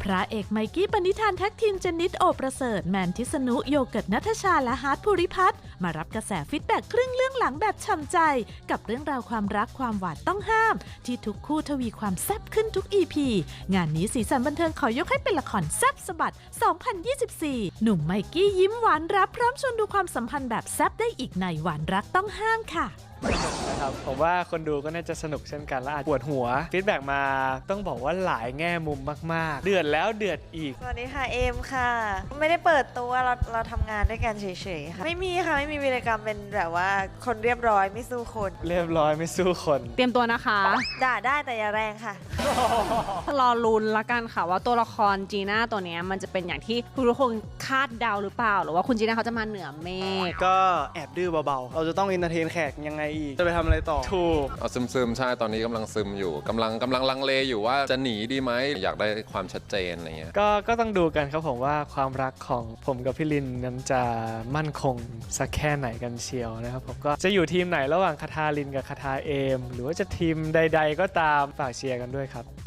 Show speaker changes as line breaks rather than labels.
พระเอกไมกี้ปณิธานแท็กทีมเจนนิสโอประเสริฐแมนทิสนุโยเกิร์ตณัฐชาและฮาร์ทภูริพัฒน์มารับกระแสฟีดแบ็กครึ่งเรื่องหลังแบบฉ่ำใจกับเรื่องราวความรักความหวานต้องห้ามที่ทุกคู่ทวีความแซ่บขึ้นทุก EP งานนี้สีสันบันเทิงขอยกให้เป็นละครแซ่บสะบัด 2024 หนุ่มไมกี้ยิ้มหวานรับพร้อมชวนดูความสัมพันธ์แบบแซ่บได้อีกในหวานรักต้องห้ามค่ะ
นะครับผมว่าคนดูก็น่าจะสนุกเช่นกันและอาจปวดหัวฟีดแบ็กมาต้องบอกว่าหลายแง่มุมมากๆเดือดแล้วเดือดอีก
สวัสดีค่ะเอมค่ะไม่ได้เปิดตัวเราทำงานด้วยกันเฉยๆค่ะไม่มีค่ะไม่มีวีรกรรมเป็นแบบว่าคนเรียบร้อยไม่สู้คน
เรียบร้อยไม่สู้คน
เตรียมตัวนะคะ
ด่าได้แต่อย่าแรงค่ะ
รอลุ้นละกันค่ะว่าตัวละครจีน่าตัวนี้มันจะเป็นอย่างที่ทุกคนคาดเดาหรือเปล่าหรือว่าคุณจีน่าเขาจะมาเหนือเมฆ
ก็แอบดื้อเบาๆเราจะต้องอินเตอร์เทนแขกยังไงอีกจะไปทำอะไรต่อถูก
เอาซึมๆใช่ตอนนี้กำลังซึมอยู่กำลังลังเลอยู่ว่าจะหนีดีไหมอยากได้ความชัดเจนอะไรเงี้ย
ก็ต้องดูกันครับผมว่าความรักของผมกับพี่ลินนั้นจะมั่นคงสักแค่ไหนกันเชียวนะครับผมก็จะอยู่ทีมไหนระหว่างคาทาลินกับคาทาเอมหรือว่าจะทีมใดๆก็ตามฝากเชียร์กันด้วยครับ